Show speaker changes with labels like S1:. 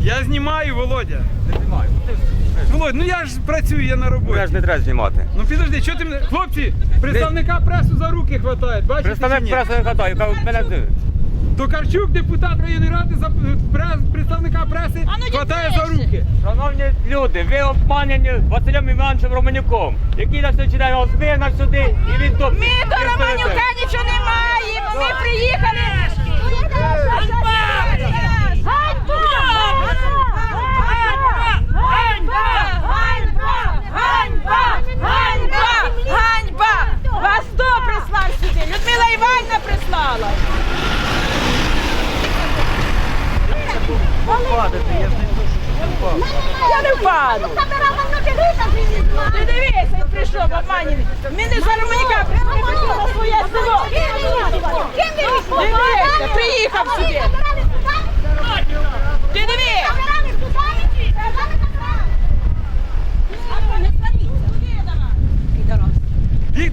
S1: Я знімаю, Володя.
S2: Не знімаю.
S1: Володь, ну я ж працюю, я на роботі.
S2: Я ж не треба знімати.
S1: Ну підожди, що ти мене... Хлопці, представника пресу за руки хватає, бачите чи
S2: Представник
S1: ні?
S2: преси не хватає, мене дивить.
S1: Токарчук, депутат районної ради, представника преси хватає за руки.
S2: Шановні люди, ви обманені Василем Івановичем Романюком, який на сьогодні день вас вигнав сюди і відтопив.
S3: Ми до Романюка нічого не маємо, ми приїхали. Ганьба! Ганьба! Ганьба! Ганьба! Ганьба! Ганьба! Вас хто прислав сюди? Людмила Іванівна прислала. Я не впаду. Ти дивися, він прийшов, обманений. Ми не за Романюка, прийшли на своє село.